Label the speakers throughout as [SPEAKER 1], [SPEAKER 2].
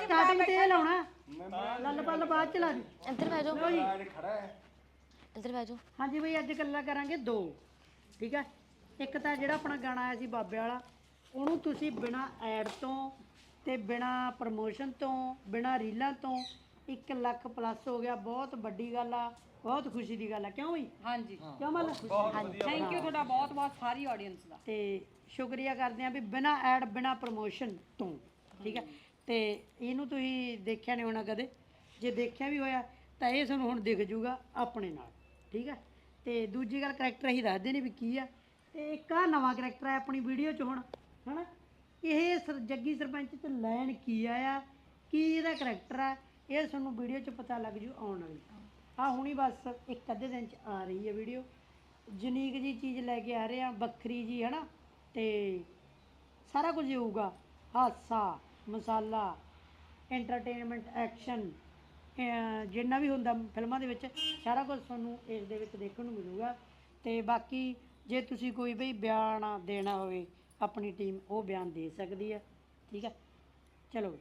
[SPEAKER 1] starting ਤੇ ਇਹ ਲਾਉਣਾ ਲੱਲ ਪੱਲ ਬਾਅਦ ਚ ਲਾ ਦੀ
[SPEAKER 2] ਇੱਧਰ ਬਹਿ ਜਾਓ
[SPEAKER 3] ਖੜਾ ਹੈ
[SPEAKER 2] ਇੱਧਰ ਬਹਿ ਜਾਓ
[SPEAKER 1] ਹਾਂਜੀ ਬਈ ਅੱਜ ਗੱਲਾਂ ਕਰਾਂਗੇ ਦੋ ਠੀਕ ਹੈ ਇੱਕ ਤਾਂ ਜਿਹੜਾ ਆਪਣਾ ਗਾਣਾ ਆਇਆ ਸੀ ਬਾਬੇ ਵਾਲਾ ਉਹਨੂੰ ਤੁਸੀਂ ਬਿਨਾ ਐਡ ਤੋਂ ਤੇ ਬਿਨਾ ਪ੍ਰਮੋਸ਼ਨ ਤੋਂ ਬਿਨਾ ਰੀਲਾਂ ਤੋਂ 1 ਲੱਖ ਪਲੱਸ ਹੋ ਗਿਆ ਬਹੁਤ ਵੱਡੀ ਗੱਲ ਆ ਬਹੁਤ ਖੁਸ਼ੀ ਦੀ ਗੱਲ ਆ ਕਿਉਂ ਬਈ
[SPEAKER 4] ਹਾਂਜੀ
[SPEAKER 1] ਕਿਉਂ ਮੱਲ
[SPEAKER 4] ਥੈਂਕ ਯੂ ਤੁਹਾਡਾ ਬਹੁਤ ਬਹੁਤ ਸਾਰੀ ਆਡੀਅנס ਦਾ
[SPEAKER 1] ਤੇ ਸ਼ੁਕਰੀਆ ਕਰਦੇ ਆ ਵੀ ਬਿਨਾ ਐਡ ਬਿਨਾ ਪ੍ਰਮੋਸ਼ਨ ਤੋਂ ਠੀਕ ਹੈ ਤੇ ਇਹਨੂੰ ਤੁਸੀਂ ਦੇਖਿਆ ਨਹੀਂ ਹੋਣਾ ਕਦੇ ਜੇ ਦੇਖਿਆ ਵੀ ਹੋਇਆ ਤਾਂ ਇਹ ਤੁਹਾਨੂੰ ਹੁਣ ਦਿਖ ਜੂਗਾ ਆਪਣੇ ਨਾਲ ਠੀਕ ਹੈ ਤੇ ਦੂਜੀ ਗੱਲ ਕਰੈਕਟਰ ਅਸੀਂ ਦੱਸਦੇ ਨੇ ਵੀ ਕੀ ਆ ਤੇ ਇੱਕ ਆ ਨਵਾਂ ਕਰੈਕਟਰ ਹੈ ਆਪਣੀ ਵੀਡੀਓ 'ਚ ਹੁਣ ਹਨਾ ਇਹ ਜੱਗੀ ਸਰਪੰਚ 'ਚ ਲੈਣ ਕੀ ਆਇਆ ਕੀ ਇਹਦਾ ਕਰੈਕਟਰ ਆ ਇਹ ਤੁਹਾਨੂੰ ਵੀਡੀਓ 'ਚ ਪਤਾ ਲੱਗ ਜੂ ਆਉਣ ਵਾਲੀ ਆ ਹੁਣੀ ਬਸ ਇੱਕ ਅੱਧੇ ਦਿਨ 'ਚ ਆ ਰਹੀ ਹੈ ਵੀਡੀਓ ਯੂਨੀਕ ਜੀ ਚੀਜ਼ ਲੈ ਕੇ ਆ ਰਹੇ ਆ ਵੱਖਰੀ ਜੀ ਹਨਾ ਤੇ ਸਾਰਾ ਕੁਝ ਹੋਊਗਾ ਹਾਸਾ ਮਸਾਲਾ ਐਂਟਰਟੇਨਮੈਂਟ ਐਕਸ਼ਨ ਜਿੰਨਾ ਵੀ ਹੁੰਦਾ ਫਿਲਮਾਂ ਦੇ ਵਿੱਚ ਸਾਰਾ ਕੁਝ ਤੁਹਾਨੂੰ ਇਸ ਦੇ ਵਿੱਚ ਦੇਖਣ ਨੂੰ ਮਿਲੂਗਾ ਤੇ ਬਾਕੀ ਜੇ ਤੁਸੀਂ ਕੋਈ ਬਈ ਬਿਆਨ ਦੇਣਾ ਹੋਵੇ ਆਪਣੀ ਟੀਮ ਉਹ ਬਿਆਨ ਦੇ ਸਕਦੀ ਹੈ ਠੀਕ ਹੈ ਚਲੋ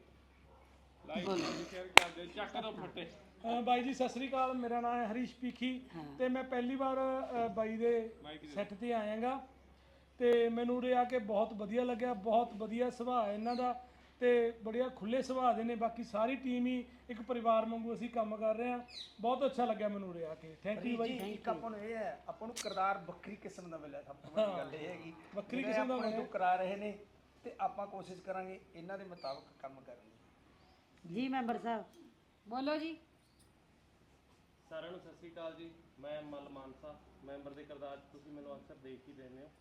[SPEAKER 5] ਬਾਈ ਜੀ ਸਤਿ ਸ੍ਰੀ ਅਕਾਲ ਮੇਰਾ ਨਾਮ ਹੈ ਹਰੀਸ਼ ਪੀਖੀ ਤੇ ਮੈਂ ਪਹਿਲੀ ਵਾਰ ਬਾਈ ਦੇ ਸੈੱਟ ਤੇ ਆਇਆਗਾ ਤੇ ਮੈਨੂੰ ਉਰੇ ਆ ਕੇ ਬਹੁਤ ਵਧੀਆ ਲੱਗਿਆ ਬਹੁਤ ਵਧੀਆ ਸੁਭਾਅ ਹੈ ਇਹਨਾਂ ਦਾ ਤੇ ਬੜੀਆ ਖੁੱਲੇ ਸੁਭਾਅ ਦੇ ਨੇ ਬਾਕੀ ਸਾਰੀ ਟੀਮ ਹੀ ਇੱਕ ਪਰਿਵਾਰ ਵਾਂਗੂ ਅਸੀਂ ਕੰਮ ਕਰ ਰਹੇ ਹਾਂ ਬਹੁਤ ਅੱਛਾ ਲੱਗਿਆ ਮੈਨੂੰ ਉਰੇ ਆ ਕੇ ਥੈਂਕ ਯੂ ਬਾਈ
[SPEAKER 3] ਇੱਕ ਆਪਾਂ ਨੂੰ ਇਹ ਹੈ ਆਪਾਂ ਨੂੰ ਕਿਰਦਾਰ ਵੱਖਰੀ ਕਿਸਮ ਦਾ ਮਿਲਿਆ ਸਭ ਤੋਂ ਵੱਡੀ ਗੱਲ ਇਹ ਹੈਗੀ
[SPEAKER 5] ਵੱਖਰੀ ਕਿਸਮ ਦਾ
[SPEAKER 3] ਮਿਲਿਆ ਕਰਾ ਰਹੇ ਨੇ ਤੇ ਆਪਾਂ ਕੋਸ਼ਿਸ਼ ਕਰਾਂਗੇ ਇਹਨਾਂ ਦੇ ਮੁਤਾਬਕ ਕੰਮ ਕਰਨ ਦੀ
[SPEAKER 1] ਜੀ ਮੈਂਬਰ ਸਾਹਿਬ
[SPEAKER 4] ਬੋਲੋ ਜੀ
[SPEAKER 6] ਸਾਰਿਆਂ ਨੂੰ ਸਤਿ ਸ੍ਰੀ ਅਕਾਲ ਜੀ ਮੈਂ ਮਲ ਮਾਨਸਾ ਮੈਂਬਰ ਦੇ ਕਿਰਦਾਰ 'ਚ ਤੁਸੀਂ ਮੈਨੂੰ ਅਕਸਰ ਦੇਖ ਹੀ ਲੈਂਦੇ ਹੋ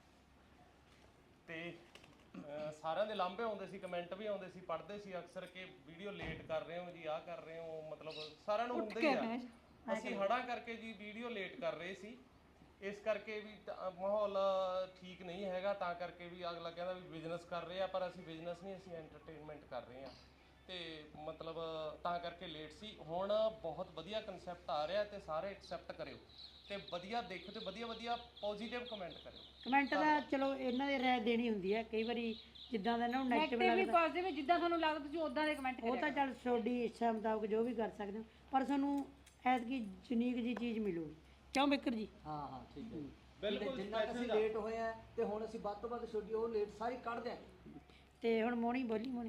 [SPEAKER 6] ਤੇ ਸਾਰਿਆਂ ਦੇ ਲਾਂਭੇ ਆਉਂਦੇ ਸੀ ਕਮੈਂਟ ਵੀ ਆਉਂਦੇ ਸੀ ਪੜ੍ਹਦੇ ਸੀ ਅਕਸਰ ਕਿ ਵੀਡੀਓ ਲੇਟ ਕਰ ਰਹੇ ਹੋ ਜੀ ਆਹ ਕਰ ਰਹੇ ਹੋ ਮਤਲਬ ਸਾਰਿਆਂ ਨੂੰ ਹੁੰਦਾ ਹੀ ਆ ਅਸੀਂ ਹੜਾਂ ਕਰਕੇ ਜੀ ਵੀਡੀਓ ਲੇਟ ਕਰ ਰਹੇ ਸੀ ਇਸ ਕਰਕੇ ਵੀ ਮਾਹੌਲ ਠੀਕ ਨਹੀਂ ਹੈਗਾ ਤਾਂ ਕਰਕੇ ਵੀ ਅਗਲਾ ਕਹਿੰਦਾ ਵੀ ਬਿਜ਼ਨਸ ਕਰ ਰਹੇ ਆ ਪਰ ਅਸੀਂ ਬਿਜ਼ਨਸ ਨਹੀਂ ਅਸੀਂ ਐਂਟਰਟੇਨਮੈਂਟ ਕਰ ਰਹੇ ਆ ਤੇ ਮਤਲਬ ਤਾਂ ਕਰਕੇ ਲੇਟ ਸੀ ਹੁਣ ਬਹੁਤ ਵਧੀਆ ਕਨਸੈਪਟ ਆ ਰਿਹਾ ਤੇ ਸਾਰੇ ਐਕਸੈਪਟ ਕਰਿਓ ਤੇ ਵਧੀਆ ਦੇਖੋ ਤੇ ਵਧੀਆ ਵਧੀਆ ਪੋਜ਼ਿਟਿਵ ਕਮੈਂਟ ਕਰਿਓ
[SPEAKER 1] ਕਮੈਂਟ ਦਾ ਚਲੋ ਇਹਨਾਂ ਦੀ ਰਾਏ ਦੇਣੀ ਹੁੰਦੀ ਹੈ ਕਈ ਵਾਰੀ ਜਿੱਦਾਂ ਦਾ ਇਹਨਾਂ ਨੂੰ ਨੈਗੇਟਿਵ
[SPEAKER 4] ਵੀ
[SPEAKER 1] ਲੱਗਦਾ
[SPEAKER 4] ਪੋਜ਼ਿਟਿਵ ਜਿੱਦਾਂ ਤੁਹਾਨੂੰ ਲੱਗਦਾ ਤੁਸੀਂ ਉਦਾਂ ਦੇ ਕਮੈਂਟ
[SPEAKER 1] ਉਹ ਤਾਂ ਚੱਲ ਤੁਹਾਡੀ ਇੱਛਾ ਮੁਤਾਬਕ ਜੋ ਵੀ ਕਰ ਸਕਦੇ ਹੋ ਪਰ ਤੁਹਾਨੂੰ ਐਤਕੀ ਯੂਨੀਕ ਜੀ ਚੀਜ਼ ਮਿਲੂਗੀ ਕਿਉਂ ਬਿਕਰ ਜੀ
[SPEAKER 7] ਹਾਂ ਠੀਕ ਹੈ
[SPEAKER 6] ਬਿਲਕੁਲ
[SPEAKER 7] ਜਿੰਨਾ ਅਸੀਂ ਲੇਟ ਹੋਏ ਆ ਤੇ ਹੁਣ ਅਸੀਂ ਵੱਧ ਤੋਂ ਵੱਧ ਛੋਟੀ ਉਹ ਲੇਟ ਸਾਰੀ ਕੱਢ ਦਿਆਂਗੇ
[SPEAKER 1] ਤੇ ਹੁਣ ਮੋਣੀ ਬੋਲੀ ਮੋਣੀ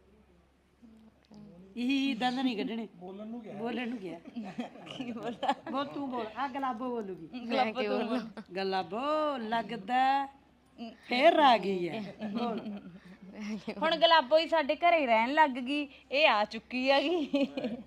[SPEAKER 1] ਇਹ ਦੰਦ ਨਹੀਂ ਕੱਢਣੇ
[SPEAKER 5] ਬੋਲਣ ਨੂੰ ਗਿਆ
[SPEAKER 1] ਬੋਲਣ ਨੂੰ ਗਿਆ ਕੀ ਬੋਲਦਾ ਬੋਲ ਤੂੰ ਬੋਲ ਆ ਗਲਾਬੋ ਬੋਲੂਗੀ ਗਲਾਬੋ ਲੱਗਦਾ ਫੇਰ ਆ ਗਈ ਹੈ ਬੋਲ
[SPEAKER 8] ਹੁਣ ਗਲਾਬੋ ਹੀ ਸਾਡੇ ਘਰੇ ਰਹਿਣ ਲੱਗ ਗਈ ਇਹ ਆ ਚੁੱਕੀ ਹੈਗੀ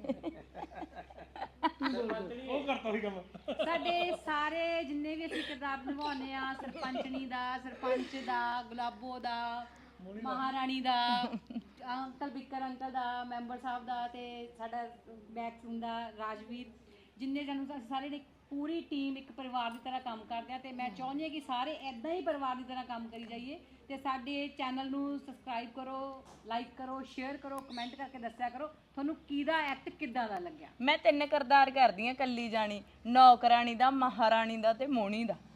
[SPEAKER 5] ਉਹ ਕਰਤਾ ਸੀ ਕੰਮ
[SPEAKER 4] ਸਾਡੇ ਸਾਰੇ ਜਿੰਨੇ ਵੀ ਅਸੀਂ ਕਿਰਦਾਰ ਨਿਭਾਉਂਦੇ ਆ ਸਰਪੰਚਣੀ ਦਾ ਸਰਪੰਚ ਦਾ ਗੁਲਾਬੋ ਦਾ ਮਹਾਰਾਣੀ ਦਾ ਅੰਕਲ ਬਿੱਕਰ ਅੰਕਲ ਦਾ ਮੈਂਬਰ ਸਾਹਿਬ ਦਾ ਤੇ ਸਾਡਾ ਬੈਕਸੂਨ ਦਾ ਰਾਜਵੀਰ ਜਿੰਨੇ ਜਣ ਅਸੀਂ ਸਾਰੇ ਨੇ ਪੂਰੀ ਟੀਮ ਇੱਕ ਪਰਿਵਾਰ ਦੀ ਤਰ੍ਹਾਂ ਕੰਮ ਕਰਦੇ ਆ ਤੇ ਮੈਂ ਚਾਹੁੰਦੀ ਹਾਂ ਕਿ ਸਾਰੇ ਐਦਾਂ ਹੀ ਪਰਿਵਾਰ ਦੀ ਤਰ੍ਹਾਂ ਕੰਮ ਕਰੀ ਜਾਈਏ ਤੇ ਸਾਡੇ ਚੈਨਲ ਨੂੰ ਸਬਸਕ੍ਰਾਈਬ ਕਰੋ ਲਾਈਕ ਕਰੋ ਸ਼ੇਅਰ ਕਰੋ ਕਮੈਂਟ ਕਰਕੇ ਦੱਸਿਆ ਕਰੋ ਤੁਹਾਨੂੰ ਕਿਹਦਾ ਐਕਟ ਕਿੱਦਾਂ ਦਾ ਲੱਗਿਆ
[SPEAKER 8] ਮੈਂ 3 ਕਿਰਦਾਰ ਕਰਦੀ ਆ ਕੱਲੀ ਜਾਣੀ ਨੌਕਰਾਣੀ ਦਾ ਮਹਾਰਾਣੀ ਦਾ ਤੇ ਮੋਣੀ ਦਾ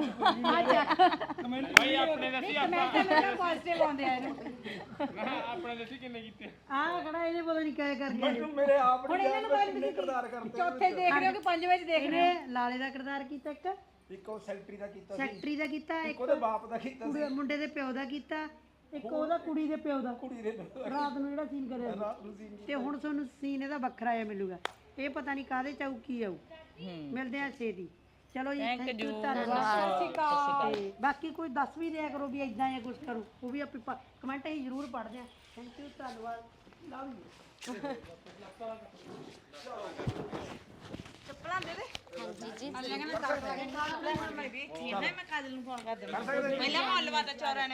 [SPEAKER 6] ਭਾਈ ਆਪਣੇ ਦੱਸੀ
[SPEAKER 4] ਕਮੈਂਟ ਪੋਜ਼ਿਟਿਵ ਆਉਂਦੇ ਆ ਇਹਨੂੰ
[SPEAKER 6] ਆਪਣੇ ਦੱਸੀ ਕਿੰਨੇ ਕੀਤੇ
[SPEAKER 1] ਆ ਖੜਾ ਇਹਨੇ ਪਤਾ ਨਹੀਂ ਕਿਆ ਕਰ ਗਿਆ
[SPEAKER 3] ਮੈਨੂੰ ਮੇਰੇ ਆਪ
[SPEAKER 4] ਹੁਣ ਇਹਨਾਂ ਨੂੰ ਪਤਾ ਨਹੀਂ
[SPEAKER 3] ਕਿਰਦਾਰ ਕਰਦੇ
[SPEAKER 4] ਚੌਥੇ ਦੇਖ ਰਹੇ ਹੋ ਕਿ ਪੰਜਵੇਂ ਚ ਦੇਖ ਰਹੇ ਹੋ
[SPEAKER 1] ਇਹਨੇ ਲਾਲੇ ਦਾ ਕਿਰਦਾਰ ਕੀਤਾ ਇੱਕ
[SPEAKER 3] ਇੱਕ ਉਹ ਸੈਕਟਰੀ ਦਾ ਕੀਤਾ ਸੀ
[SPEAKER 1] ਸੈਕਟਰੀ ਦਾ ਕੀਤਾ
[SPEAKER 3] ਇੱਕ
[SPEAKER 1] ਇੱਕ
[SPEAKER 3] ਉਹਦੇ ਬਾਪ ਦਾ ਕੀਤਾ ਸੀ
[SPEAKER 1] ਮੁੰਡੇ ਦੇ ਪਿਓ ਦਾ ਕੀਤਾ ਇੱਕ ਉਹਦਾ ਕੁੜੀ ਦੇ ਪਿਓ ਦਾ
[SPEAKER 3] ਕੁੜੀ ਦੇ
[SPEAKER 1] ਰਾਤ ਨੂੰ ਜਿਹੜਾ ਸੀਨ ਕਰਿਆ ਸੀ ਤੇ ਹੁਣ ਤੁਹਾਨੂੰ ਸੀਨ ਇਹਦਾ ਵੱਖਰਾ ਆ ਮਿਲੂਗਾ ਇਹ ਪਤਾ ਨਹੀਂ ਕਾਹਦੇ ਚ ਆਊ ਕੀ ਆਊ ਮਿਲਦੇ ਆ ਛੇਤੀ ਚਲੋ ਜੀ ਥੈਂਕ ਯੂ ਧੰਨਵਾਦ ਤੇ ਬਾਕੀ ਕੋਈ ਦੱਸ ਵੀ ਦਿਆ ਕਰੋ ਵੀ ਇਦਾਂ ਜਾਂ ਕੁਝ ਕਰੋ ਉਹ ਵੀ ਆਪੇ ਕਮੈਂਟ ਹੀ ਜ਼ਰੂਰ ਪੜ੍ਹਦੇ ਆ ਥੈਂਕ ਯੂ ਧੰਨਵਾਦ ਲਵ ਯੂ
[SPEAKER 8] ਚੱਪਲਾਂ ਦੇ ਦੇ
[SPEAKER 2] ਹਾਂਜੀ ਜੀ
[SPEAKER 8] ਮੈਂ ਕਾਜਲ ਨੂੰ ਫੋਨ ਕਰ ਦੇਵਾਂ ਪਹਿਲਾਂ ਮੁੱਲ ਵਾਦਾ ਚੌਰਾਂ ਨੇ